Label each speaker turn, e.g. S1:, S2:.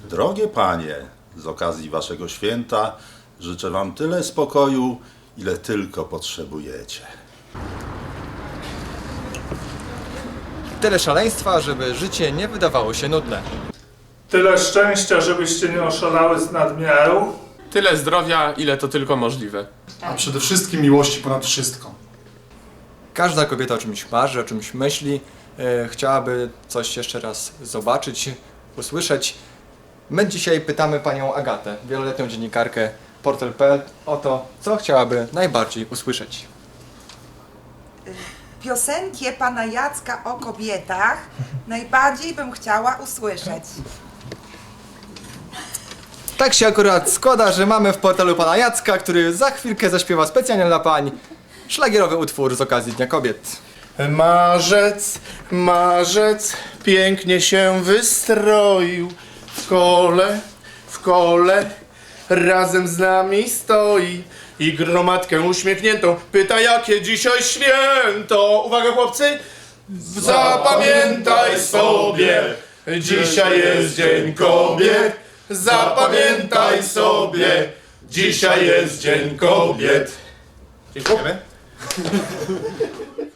S1: Drogie panie, z okazji waszego święta życzę wam tyle spokoju, ile tylko potrzebujecie.
S2: Tyle szaleństwa, żeby życie nie wydawało się nudne.
S3: Tyle szczęścia, żebyście nie oszalały z nadmiaru.
S4: Tyle zdrowia, ile to tylko możliwe.
S5: A przede wszystkim miłości ponad wszystko.
S2: Każda kobieta o czymś marzy, o czymś myśli, chciałaby coś jeszcze raz zobaczyć, usłyszeć. My dzisiaj pytamy panią Agatę, wieloletnią dziennikarkę Portal.pl, o to, co chciałaby najbardziej usłyszeć.
S6: Piosenkę pana Jacka o kobietach najbardziej bym chciała usłyszeć.
S2: Tak się akurat składa, że mamy w portalu pana Jacka, który za chwilkę zaśpiewa specjalnie dla pań szlagierowy utwór z okazji Dnia Kobiet.
S7: Marzec, marzec pięknie się wystroił. W kole razem z nami stoi i gromadkę uśmiechniętą pyta, jakie dzisiaj święto. Uwaga chłopcy, zapamiętaj sobie, dzisiaj jest Dzień Kobiet. Zapamiętaj sobie, dzisiaj jest Dzień Kobiet. Dziękujemy.